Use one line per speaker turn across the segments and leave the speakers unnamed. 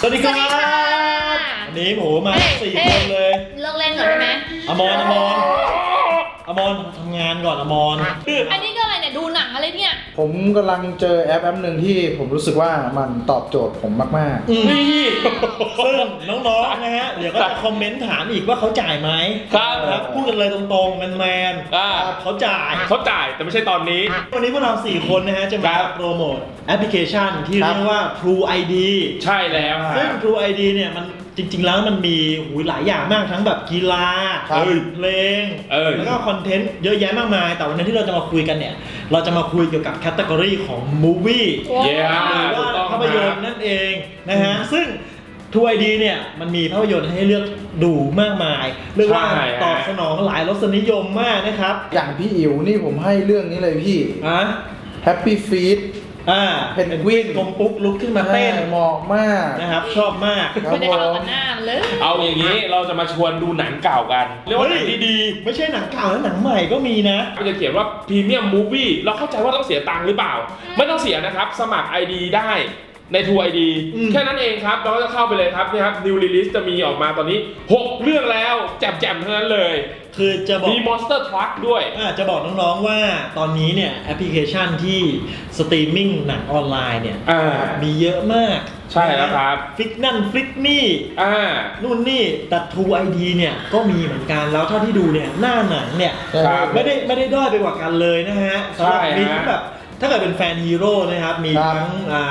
สวัสดีครับวันนี้โหมา4 คนเลย
เลิกเล่นก่อนได้ไหม
อมรทำงานก่อนอมร
อันนี้ก็อะไรเนี่ยดูหนังอะไรเนี่ย
ผมกำลังเจอแอปหนึ่งที่ผมรู้สึกว่ามันตอบโจทย์ผมมาก
ๆนี่ซึ่งน้องๆนะฮะเดี๋ยวก็จะคอมเมนต์ถามอีกว่าเขาจ่ายไหมครับพูดกันเลยตรงๆแมนๆเขาจ่าย
แต่ไม่ใช่ตอนนี้
วันนี้พวกเรา4 คนนะฮะจะมาโปรโมทแอปพลิเคชันที่เรียกว่า True ID
ใช่แล้ว
ซึ่ง True ID เนี่ยมันจริงๆแล้วมันมีหลายอย่างมากทั้งแบบกีฬาเพลงแล้วก็คอนเทนต์เยอะแยะมากมายแต่วันนี้ที่เราจะมาคุยกันเนี่ยเราจะมาคุยเกี่ยวกับแคตตากรีของ Movie หรือว่าภาพยนตร์นั่นเองนะฮะซึ่ง True ID เนี่ยมันมีภาพยนตร์ให้เลือกดูมากมายเรียกว่าตอบสนองหลายรสนิยมมากนะครับ
อย่างพี่อิ๋วนี่ผมให้เรื่องนี้เลยพี่Happy Feet เพนกวิน
กลมปุ๊กลุกขึ้นมาเต้น
เหมาะมาก
นะครับชอบมาก
ไม่ได้เข้ากับหน้าเลย
เอาอย่างนี้เราจะมาชวนดูหนังเก่ากันเรียกว่าหนังดี
ๆไม่ใช่หนังเก่าแล้วหนังใหม่ก็มีนะ
มันจะเขียนว่าพรีเมียมมูฟวี่เราเข้าใจว่าต้องเสียตังค์หรือเปล่าไม่ต้องเสียนะครับสมัคร ID ได้ใน True ID แค่นั้นเองครับเราก็จะเข้าไปเลยครับนี่ครับ New Release จะมีออกมาตอนนี้6เรื่องแล้วแจ่มๆทั้งนั้นเลย
คือจะบอก
มี Monster Truck ด้วย
จะบอกน้องๆว่าตอนนี้เนี่ยแอปพลิเคชันที่สตรีมมิ่งหนังออนไลน์เนี่ยมีเยอะมาก
ใช่แล้วครับ
ฟิกนั่นฟิกนี่นู่นนี่แต่ True ID เนี่ยก็มีเหมือนกันแล้วเท่าที่ดูเนี่ยหน้าหนังเนี่ยไม่ได้ด้อยไปกว่ากันเลยนะฮะสำหรับมีแบบถ้าเกิดเป็นแฟนฮีโร่นะครับมีทั้ง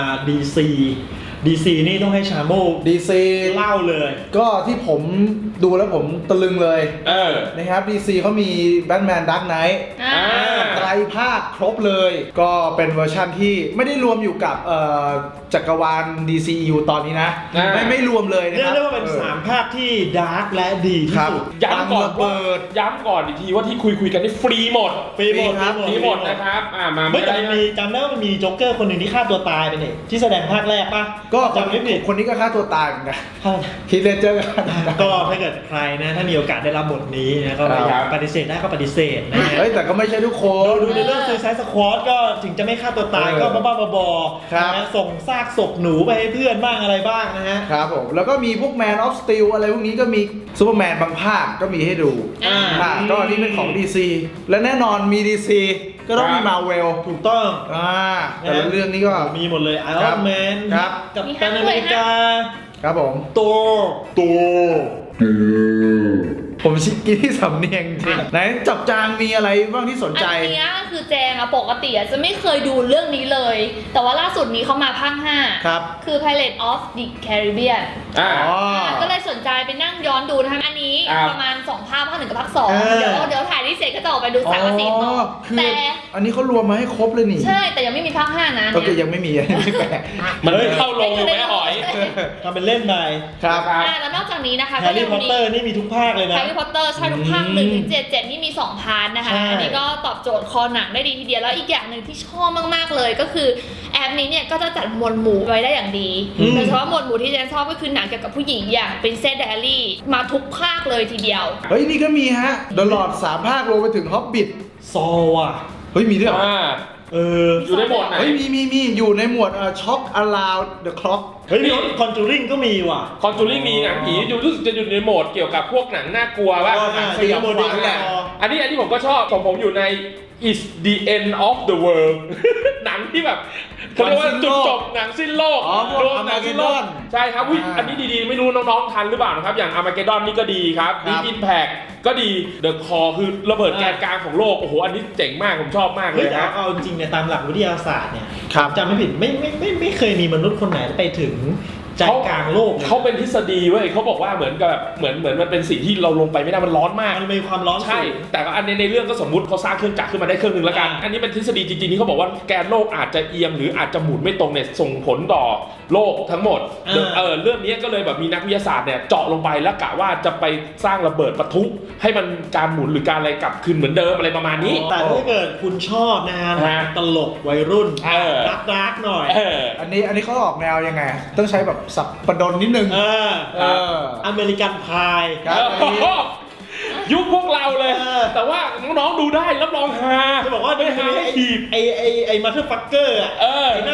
DC นี่ต้องให้ชาโม
DC
เล่าเลย
ก็ที่ผมดูแล้วผมตะลึงเลยนะครับ DC เขามี Batman Dark Knight ไตรภาคครบเลยก็เป็นเวอร์ชันที่ไม่ได้รวมอยู่กับจักรวาล DCU ตอนนี้นะไม่รวมเลยนะครับ
เรียกว่าเป็น3 ภาคที่ดาร์กและดีที่สุด
ย้ำก่อนอีกทีว่าที่คุยกันนี่ฟรีหมดนะครับมา
ไม่แต่มีจำได้ว่ามันมีโจ๊กเกอร์คนหนึ่งที่ฆ่าตัวตายไปเนี่ยที่แสดงภาคแรกป่ะ
ก็จำไม่ผิดคนนี้ก็ฆ่าตัวตายเหมือนกันคิดเลเจอร์
ก็ถ้าเกิดใครนะถ้ามีโอกาสได้รับบทนี้นะก็ปฏิเสธได้ก็ปฏิเสธนะฮะ
แต่ก็ไม่ใช่ทุกคน
ดูในเรื่อง Suicide Squad ก็ถึงจะไม่ฆ่าตัวตายก็บ้าๆบอๆนะส่งซากศพหนูไปให้เพื่อนบ้างอะไรบ้างนะฮะ
ครับผมแล้วก็มีพวก Man of Steel อะไรพวกนี้ก็มีซูเปอร์แมนบางภาคก็มีให้ดูก็อันนี้เป็นของ DC และแน่นอนมี DC ก็ต้องมี Marvel
ถูกต้อง
แต่ละเรื่องนี้ก็
มีหมดเลย Iron Man กับกัปตันอเมริกา
ครับผม
ตัว
ผมชิคกี้ที่สำเนียงจริงไหนจับจางมีอะไรบ้างที่สนใจ
อันนี้คือแจงปกติจะไม่เคยดูเรื่องนี้เลยแต่ว่าล่าสุดนี้เขามาภาค5
ครับ
คือ Pirates of the Caribbean ก็เลยสนใจไปนั่งย้อนดูนะคะอันนี้ประมาณ2 ภาค ภาค 1กับภาค 2เดี๋ยวถ่ายที่เสร็จก็จะออกไปดู3 กับ 4ต่อ
แต่อันนี้เขารวมมาให้ครบเลยนี่
ใช่แต่ยังไม่มีภาค5นะ
โอเคยังไม่มีไม่แปล
มันเข้าลงอยู่ไม่หอย
ทำเป็นเล่นไป
ครับ
แล้วนอกจากนี้นะคะ
แฮร์รี่พอตเตอร์นี่มีทุกภาคเลยนะ
แฮร์รี่พอตเตอร์ใช่ทุกภาค1 ถึง 7 นี่มี2 พาร์ทนะคะอันนี้ก็ตอบโจทย์คอหนังได้ดีทีเดียวแล้วอีกอย่างหนึ่งที่ชอบมากๆเลยก็คือแอปนี้เนี่ยก็จะจัดหมวดหมู่ไว้ได้อย่างดีโดยเฉพาะหมวดหมู่ที่เจนชอบก็คือหนังเกี่ยวกับผู้หญิงอย่าง Princess Diary มาทุกภาคเลยทีเดียว
เฮ้ยนี่ก็มีฮะ The Lord 3 ภาครวมไปถึง Hobbit
ซอว่ะ
เฮ้ยมีด้วย
อยู่ในหมวดไหน
มีอยู่ในหมวดShock Around the Clock
เฮ้ยคอนจูริงก็มีว่ะ
คอนจูริงมีหนังผีรู้สึกจะอยู่ในโหมดเกี่ยวกับพวกหนังน่ากลัวว่า
หนังสยองขวัญแหละ
อันนี้ผมก็ชอบของผมอยู่ใน Is the End of the World หนังที่แบบเขาเรียกว่าจุดจบหนังสิ้นโลก
รวมหนังสิ้นโลก
ใช่ครับอันนี้ดีๆไม่รู้น้องๆทันหรือเปล่านะครับอย่าง Armageddon นี่ก็ดีครับ Deep Impact ก็ดี The Core คือระเบิดแกนกลางของโลกโอ้โหอันนี้เจ๋งมากผมชอบมากเลย
นะเอาจริงๆเนี่ยตามหลักวิทยาศาสตร์เนี่ยจำไม่ผิดไม่เคยมีมนุษย์คนไหนไปถึงใจกลางโลก
เขาเป็นทฤษฎีเว้ยเขาบอกว่าเหมือนกับแบบเหมือนมันเป็นสิ่งที่เราลงไปไม่ได้มันร้อนมาก
มันมีความร้อน
ใช่แต่ก็อันในเรื่องก็สมมุติเขาสร้างเครื่องจักรขึ้นมาได้เครื่องนึงแล้วกันอันนี้เป็นทฤษฎีจริงๆที่เขาบอกว่าแกนโลกอาจจะเอียงหรืออาจจะหมุนไม่ตรงเนี่ยส่งผลต่อโลกทั้งหมดเรื่องนี้ก็เลยแบบมีนักวิทยาศาสตร์เนี่ยเจาะลงไปแล้วกะว่าจะไปสร้างระเบิดปะทุให้มันการหมุนหรือการอะไรกลับคืนเหมือนเดิมอะไรประมาณนี้
แต่ถ้าเกิดคุณชอบนะฮะตลกวัยรุ่นดาร์กหน่อย
อันนี้เขาออกแนวยังไงต้องใช้แบบสับประดนนิดนึง
อเมริกันพาย
ยุคพวกเราเลยแต่ว่าน้องๆดูได้รับรองฮา
จะบอกว่า
ไม่ฮาให้ถีบ
ไอ้มาเธอร์ฟักเกอร์ไอ้หน้า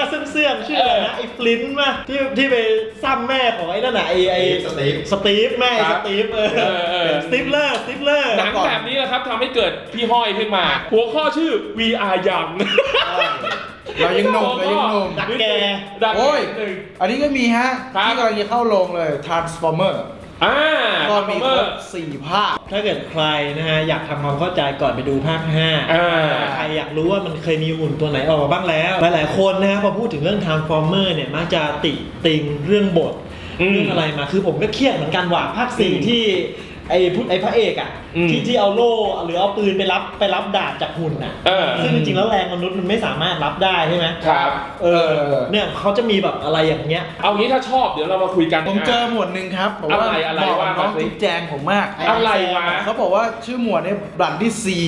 เสื่อมชื่ออะไรนะไอ้ฟลินต์ป่ะที่ไปซ้ำแม่ของไอ้นั่นน่ะไอ้สตีฟแม่สตีฟเป็นสตีฟเลอร์
หนังแบบนี้แหละครับทำให้เกิดพี่ห้อยขึ้นมาหัวข้อชื่อ VR ยัง
เรายังหนุ่ม
ดักแก
โอ้ยอันนี้ก็มีฮะที่กำลังจะเข้าโรงเลย Transformer ก็มีครบ4 ภาค
ถ้าเกิดใครนะฮะอยากทำความเข้าใจก่อนไปดูภาค5ใครอยากรู้ว่ามันเคยมีหุ่นตัวไหนออกมาบ้างแล้วหลายๆคนนะฮะพอพูดถึงเรื่อง Transformer เนี่ยมักจะติงเรื่องบทเรื่องอะไรมาคือผมก็เครียดเหมือนกันว่าภาค4ที่ไอ้พระเอกอ่ะที่เอาโล่หรือเอาปืนไปรับดาบจากหุ่นน่ะซึ่งจริงๆแล้วแรงมนุษย์มันไม่สามารถรับได้ใช่ไหม
ครับ
เนี่ยเขาจะมีแบบอะไรอย่างเงี้ย
เอางี้ถ้าชอบเดี๋ยวเรามาคุยกัน
ผมเจอหมวดหนึ่งครับบอกว่าบอกน้องจุ๊บแจงผมมาก
อะไรวะ
เขาบอกว่าชื่อหมวดเนี่ยบลัดดี้ซี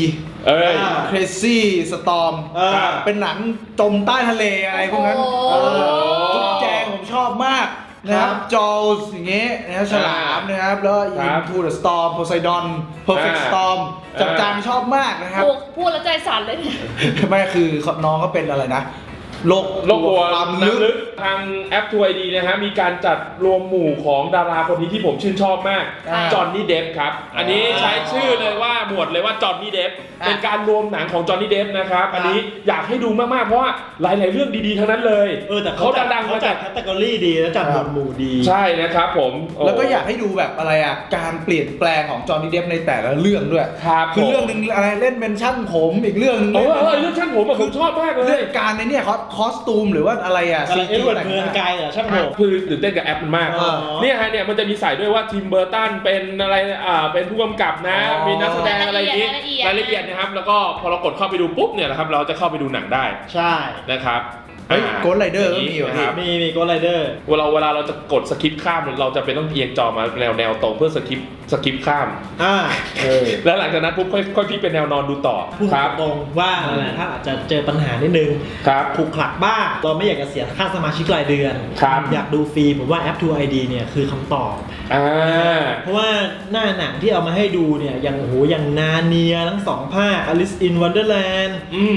Crazy Storm เป็นหนังจมใต้ทะเลอะไรพวกนั้นจุ๊บแจงผมชอบมากนะครับจอลส์อย่างเงี้ยนะครับฉลามนะครับแล้ว Into the Storm Poseidon Perfect Storm จับจางชอบมากนะครับ
พูดแล้วใจสั่นเลย
ไม่คือน้องก็เป็นอะไรนะโลก
ความลึกทางแอป 2ID นะฮะมีการจัดรวมหมู่ของดาราคนนี้ที่ผมชื่นชอบมากจอห์นนี่เดฟครับอันนี้ใช้ชื่อเลยว่าหมวดเลยว่าจอห์นนี่เดฟเป็นการรวมหนังของจอห์นนี่เดฟนะครับอันนี้อยากให้ดูมากๆเพราะว่าหลายๆเรื่องดีๆทั้งนั้นเลย
แต่เขาดังๆเขาจัดแคตตากรีดีแล้วจัดหมวดดี
ใช่นะครับผม
แล้วก็อยากให้ดูแบบอะไรอ่ะการเปลี่ยนแปลงของจอห์นนี่เดฟในแต่ละเรื่องด้วยคือเรื่องนึงอะไรเล่นเป็นช่างผมอีกเรื่องนึง
เรื่องช่างผมผมชอบมากเลย
เรื่องการในเนี่ยคอสตูมหรือว่าอะไรอ่ะ
ซีจีแต่งเมืองไกลอ่ะช่างผม
คือตื่นเต้นกับแอปมันมากเนี่ยฮะเนี่ยมันจะมีใส่ด้วยว่าทิมเบอร์ตันเป็นอะไรเป็นผู้กำกับนะมีนักแสดงอะไรอย่างนี้รายละเอียดนะครับแล้วก็พอเรากดเข้าไปดูปุ๊บเนี่ยนะครับเราจะเข้าไปดูหนังได้
ใช่
นะครับ
โกดไรเดอร์ก็มีอยู่ครับ
มีโกดไรเดอร์
เวลาเราจะกดสคิปข้ามเราจะเป็นต้องเอียงจอมาแนวตรงเพื่อสคิปข้ามแล้วหลังจากนั้นปุ๊บค่อยพลิกเป็นแนวนอนดูต่อ
ครับตรงว่าถ้าอาจจะเจอปัญหานิดนึงถูกขลักบ้างเราไม่อยากจะเสียค่าสมาชิกรายเดือนอยากดูฟรีผมว่าแอป 2ID เนี่ยคือคำตอบเพราะว่าหน้าหนังที่เอามาให้ดูเนี่ยอย่างนาเนียทั้ง2 ภาค Alice in Wonderland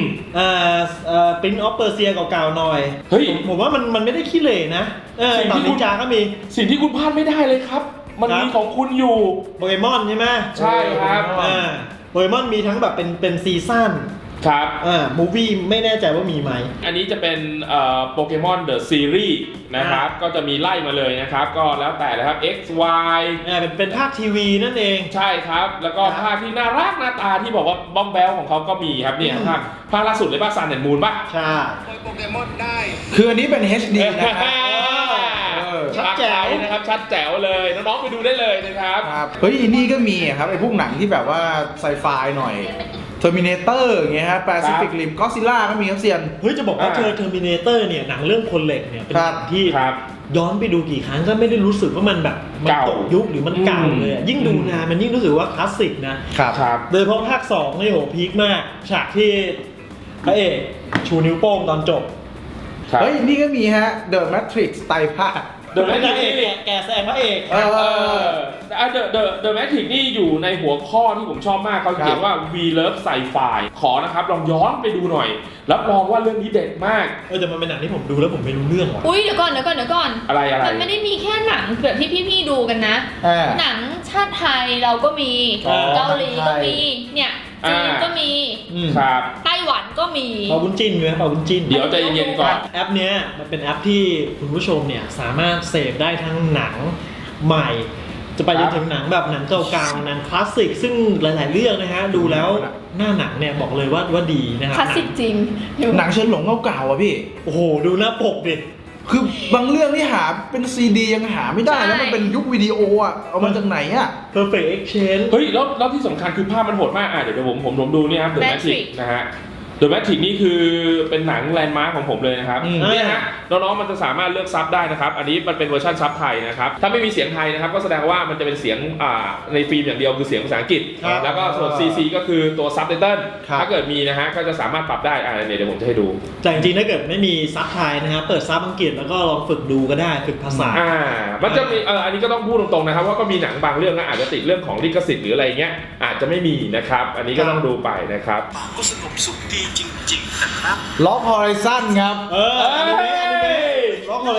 Prince of Persia เก่าๆหน่อยผมว่ามันไม่ได้ขี้เหร่นะตอนนินจาก็มี
สิ่งที่คุณพลาดไม่ได้เลยครับมันมีของคุณอยู่
โปเกมอนใช่ไหม
ใช่ครับ
โปเกมอนมีทั้งแบบเป็นซีซั่น
ครับ
มูวี่ไม่แน่ใจว่ามีไหม
อันนี้จะเป็นโปเกมอนเดอะซีรีส์นะครับก็จะมีไล่มาเลยนะครับก็แล้วแต่เลยครับ X Y
เป็นภาคทีวีนั่นเอง
ใช่ครับแล้วก็ภาคที่น่ารักหน้าตาที่บอกว่าบ้องแบลของเขาก็มีครับเนี่ยภาคล่าสุดเลยป่ะซันแอนด์มูนป่ะ
ใช่
โปเกมอนได้คืออันนี้เป็น HD นะครับ
ชัดแจ๋วนะครับชัดแจ๋วเลยน้องๆไปดูได้เลยนะครับ
เฮ้ยนี่ก็มีครับไอ้พวกหนังที่แบบว่าไซไฟหน่อยTerminator อย่างเงี้ยฮะ Pacific Rim Godzilla ก็มีครับเซียน
เฮ้ยจะบอกว่าTerminator เนี่ยหนังเรื่องคนเหล็กเนี่ยเป็นหนังที่ย้อนไปดูกี่ครั้งก็ไม่ได้รู้สึกว่ามันแบบมันตกยุคหรือมันเก่าเลยยิ่งดูนานมันยิ่งรู้สึกว่าคลาสสิกนะครับโดยเฉพาะภาค2นี่โหพีคมากฉากที่พระเอกชูนิ้วโป้งตอนจบ
เฮ้ยนี่ก็มีฮะ The Matrix ไตรภาค
เดอะแมทริกแกแซงพระเอก
เดอะแมทริกนี่อยู่ในหัวข้อที่ผมชอบมากเขาเขียนว่า We Love Sci-Fi ขอนะครับลองย้อนไปดูหน่อยรับรองว่าเรื่องนี้เด็ดมาก
แต่มันเป็นหนังที่ผมดูแล้วผมไม่รู้เรื่องว่ะ
อุ้ยเดี๋ยวก่อน
อะไร
มันไม่ได้มีแค่หนังแบบที่พี่ดูกันนะหนังชาติไทยเราก็มีเกาหลีก็มีเนี่ยจีนก็มี
ครับ
ไต้หวันก็มี
เป่าบุญจิ้นไหมเป่าบุญจิ้น
เดี๋ยวใจเย็นๆก่อน
แอปเนี้ยมันเป็นแอปที่คุณผู้ชมเนี่ยสามารถเสพได้ทั้งหนังใหม่จะไปจนถึงหนังแบบหนังเก่าๆหนังคลาสสิกซึ่งหลายๆเรื่องนะฮะดูแล้วหน้าหนังเนี่ยบอกเลยว่าดีนะครับ
คลาสสิกจริง
หนังเชิญหลงเก่าๆอ่ะพี่
โอ้โหดูหน้าปกดิ
คือบางเรื่องที่หาเป็นซีดียังหาไม่ได้แล้วมันเป็นยุควิดีโออ่ะเอามาจากไหนอ่ะ
Perfect Exchange
เฮ้ยแล้วที่สำคัญคือภาพมันโหดมากเดี๋ยวผมดูนี่ครับ The Matrix นะฮะ The Matrix นี่คือเป็นหนังแลนด์มาร์คของผมเลยนะครับเนี่ยฮะน้องๆมันจะสามารถเลือกซับได้นะครับอันนี้มันเป็นเวอร์ชันซับไทยนะครับถ้าไม่มีเสียงไทยนะครับก็แสดงว่ามันจะเป็นเสียงในฟิล์มอย่างเดียวคือเสียงภาษาอังกฤษแล้วก็ส่วน CC ก็คือตัวซับไตเติลถ้าเกิดมีนะฮะก็จะสามารถปรับได้เดี๋ยวผมจะให้ดู
แต่จริงๆถ้าเกิดไม่มีซับไทยนะครับเปิดซับอังกฤษแล้วก็ลองฝึกดูก็ได้ฝึกภาษา
มันจะมีอันนี้ก็ต้องพูดตรงๆนะครับว่าก็มีหนังบางเรื่องนะอาจจะติดเรื่องของลิขสิทธิ์หรืออะไรเงี้ยอาจจะไม่มีนะครับอันนี้ก็ต้องดูไปนะครับ
ก็สงบสุขดีจริงๆนะครับล็อกฮอริซอนครับ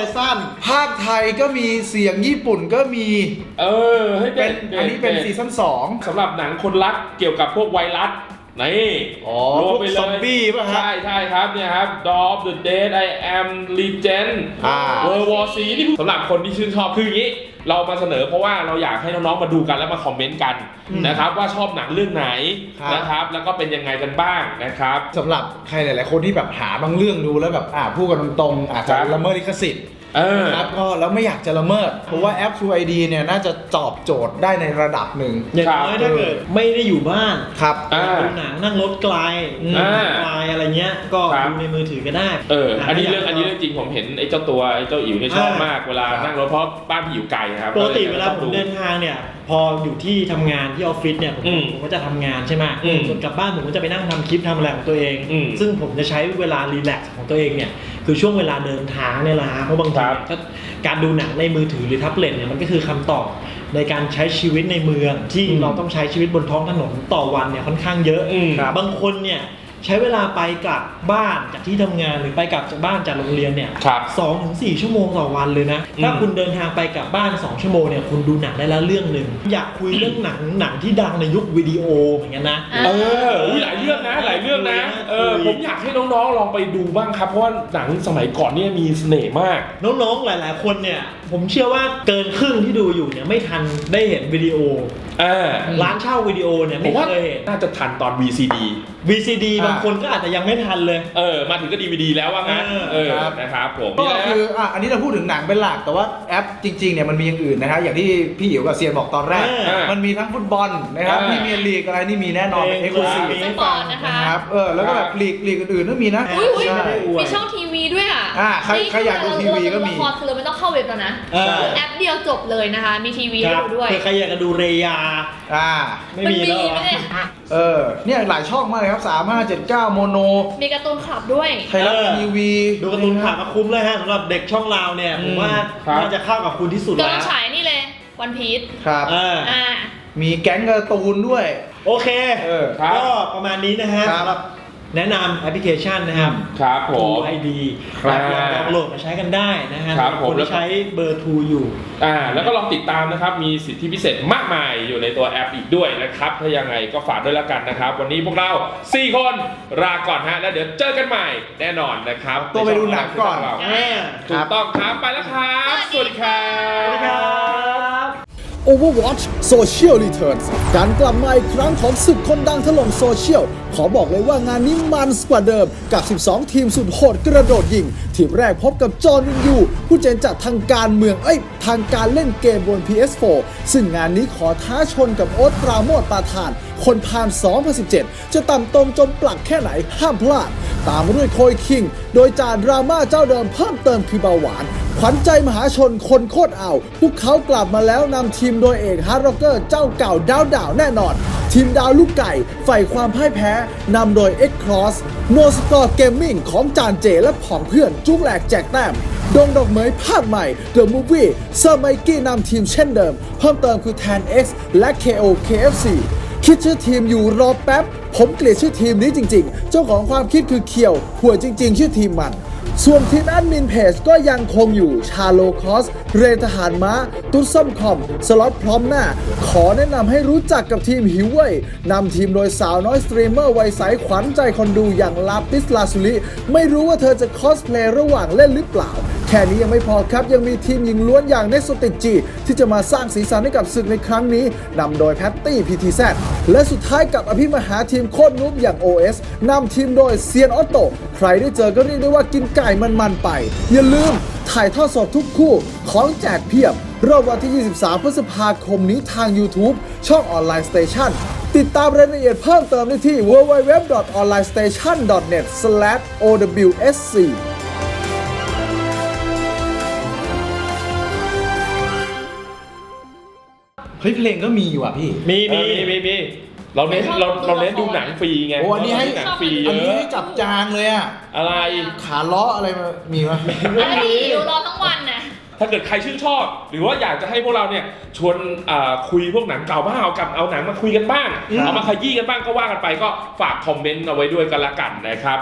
สั้นภาคไทยก็มีเสียงญี่ปุ่นก็มี
ให้
เป็นอันนี้เป็นซีซั่น2
สำหรับหนังคนรักเกี่ยวกับพวกไวรัสนี่
รวมไปเลยซอมบี้ป่ะฮะ
ใช่ครับเนี่ยครับ Dawn of the Dead I Am Legend World War C นี่สำหรับคนที่ชื่นชอบคืออย่างนี้เรามาเสนอเพราะว่าเราอยากให้น้องๆมาดูกันแล้วมาคอมเมนต์กันนะครับว่าชอบหนังเรื่องไหนนะครับแล้วก็เป็นยังไงกันบ้างนะครับ
สำหรับใครหลายๆคนที่แบบหาบางเรื่องดูแล้วแบบพูดกันตรงๆอาจจะละเมิดลิขสิทธิ์นะครับก็แล้วไม่อยากจะละเมิดเพราะว่าแอป True ID เนี่ยน่าจะตอบโจทย์ได้ในระดับหนึ่ง
อย่างน้อยถ้าเกิดไม่ได้อยู่บ้าน
ครับ
ดูหนังนั่งรถไกลอะไรเงี้ยก็ดูในมือถือก็ได้
อันนี้เรื่องจริงผมเห็นไอ้เจ้าอิ๋วเนี่ยชอบมากเวลานั่งรถเพราะบ้านพี่อยู่ไกลครับ
ปกติเวลาผมเดินทางเนี่ยพออยู่ที่ทำงานที่ออฟฟิศเนี่ยผมก็จะทำงานใช่ไหมส่วนกลับบ้านผมก็จะไปนั่งทำคลิปทำอะไรของตัวเอง ซึ่งผมจะใช้เวลารีแลกซ์ของตัวเองเนี่ยคือช่วงเวลาเดินทางเนี่ยแหละเพราะบางทีการดูหนังในมือถือหรือแท็บเล็ตเนี่ยมันก็คือคำตอบในการใช้ชีวิตในเมืองที่เราต้องใช้ชีวิตบนท้องถนนต่อวันเนี่ยค่อนข้างเยอะบางคนเนี่ยใช้เวลาไปกลับบ้านจากที่ทำงานหรือไปกลับจากบ้านจากโรงเรียนเนี่ย2-4 ชั่วโมงต่อวันเลยนะถ้าคุณเดินทางไปกลับบ้าน2 ชั่วโมงเนี่ยคุณดูหนังได้แล้วเรื่องหนึ่งอยากคุยเรื่องหนังที่ดังในยุควิดีโอเหมือนกันนะ
หลายเรื่องนะผมอยากให้น้องๆลองไปดูบ้างครับเพราะว่าหนังสมัยก่อนเนี่ยมีเสน่ห์มาก
น้องๆหลายๆคนเนี่ยผมเชื่อว่าเกินครึ่งที่ดูอยู่เนี่ยไม่ทันได้เห็นวิดีโอร้านเช่าวิดีโอเนี่ยไม่เคยเห็น
น่าจะทันตอน VCD
บางคนก็อาจจะยังไม่ทันเลย
มาถึงก็ DVD แล้วว่างั้นนะครับผม
ก็คืออันนี้เราพูดถึงหนังเป็นหลักแต่ว่าแอปจริงๆเนี่ยมันมีอย่างอื่นนะฮะอย่างที่พี่อิ๋วกับเซียนบอกตอนแรกมันมีทั้งฟุตบอลนะครับพรีเมียร์ลีกอะไรนี่มีแน่นอนเป็น Exclusive
นะครับ
แล้วก็แบบลีกอื่นๆก็มีนะ
มีช่องทีวีด้วย
ใครอยากดูทีวีก็มี
ละครคือเราไม่ต้องเข้าเว็บแล้วนะแอปเดียวจบเลยนะคะมีทีวีให้ดูด้วย
ใครอยากจะดูเรยาไม่มีแล้ว
เนี่ยหลายช่องมากเลยครับ3579โมโน
มีการ์ตูนคลับด้วย
ไทยรัฐทีวี
ดูการ์ตูนคลับก็คุ้มเลยฮะสำหรับเด็กช่องเราเนี่ยผมว่าน่าจะเข้ากับคุณที่สุดแล้ว
กำลังฉายนี่เลยวันพีช
ครับมีแก๊งการ์ตูนด้วย
โอเคก็ประมาณนี้นะฮะสำหรับแนะนำแอปพลิเคชันนะครับ
ผม
True ID ลองโหลดมาใช้กันได้นะฮะคนที่ใช้เบอร์ True อยู่
แล้วก็ลองติดตามนะครับมีสิทธิพิเศษมากมายอยู่ในตัวแอปอีกด้วยนะครับถ้ายังไงก็ฝากด้วยแล้วกันนะครับวันนี้พวกเรา4คนลาก่อนฮะแล้วเดี๋ยวเจอกันใหม่แน่นอนนะครับ
ตัวไปดูหนังก่อน
ถูกต้องครับไปแล้วครับสวัสดีครับ
Overwatch Social Returns การกลับมาอีกครั้งของศึกคนดังถล่มโซเชียลขอบอกเลยว่างานนี้มันกว่าเดิมกับ12ทีมสุดโหดกระโดดยิงทีมแรกพบกับจอห์นวินยูผู้เจนจากทางการเมืองทางการเล่นเกมบน PS4 ซึ่งงานนี้ขอท้าชนกับโอ๊ตปราโมชปาทานคนพาล2017จะต่ำตมจมปลักแค่ไหนห้ามพลาดตามมาด้วยโคยคิงโดยจ่าดราม่าเจ้าเดิมเพิ่มเติมคือเบาหวานขวัญใจมหาชนคนโคตรเอาพวกเขากลับมาแล้วนำทีมโดยเอกฮาร์ดร็อกเกอร์เจ้าเก่าดาวแน่นอนทีมดาวลูกไก่ใฝ่ความพ่ายแพ้นำโดย X-Cross No Score Gaming ของจานเจและผองเพื่อนจุกแหลกแจกแต้มดงดอกเหมยภาคใหม่ The Movie เซอร์ไมกี้นำทีมเช่นเดิมเพิ่มเติมคือ 10X และ KO KFC คิดชื่อทีมอยู่รอแป๊บผมเกลียดชื่อทีมนี้จริงๆเจ้าของความคิดคือเคียวหัวจริงๆชื่อทีมมันส่วนทีมแอดมินเพจก็ยังคงอยู่ชาโลคอสเรทหารม้าตุ๊ดส้มคอมสล็อตพร้อมหน้าขอแนะนำให้รู้จักกับทีมหิวเว่ยนำทีมโดยสาวน้อยสตรีมเมอร์วัยใสขวัญใจคนดูอย่างลาปิสลาซุลิไม่รู้ว่าเธอจะคอสเพลย์ระหว่างเล่นหรือเปล่าแค่นี้ยังไม่พอครับยังมีทีมหญิงล้วนอย่างเนสโซติจีที่จะมาสร้างสีสันให้กับศึกในครั้งนี้นำโดยแพตตี้ PTZ และสุดท้ายกับอภิมหาทีมโคตรนุ๊บอย่าง OS นำทีมโดยเซียนออโต้ใครได้เจอก็เรียกได้ว่ากินไก่มันไปอย่าลืมถ่ายทอดสดทุกคู่ของแจกเพียบรอบวันที่ 23 พฤษภาคมนี้ทาง YouTube ช่องออนไลน์สเตชันติดตามรายละเอียดเพิ่มเติมได้ที่ www.onlinestation.net/owsc
เพลงก็มีอยู่อ่ะพี่
มีเราเน้นดูหนังฟรีไง
อันนี้ให้
หนังฟรี
อันนี้ให้จับจางเลยอ่ะ
อะไร
ขาล้ออะไรมีไหม
อะไรอยู่รอทั้งวันนะ
ถ้าเกิดใครชื่นชอบหรือว่าอยากจะให้พวกเราเนี่ยชวนคุยพวกหนังเก่าบ้างเอาหนังมาคุยกันบ้างเอามาขยี้กันบ้างก็ว่ากันไปก็ฝากคอมเมนต์เอาไว้ด้วยกันละกันนะครับ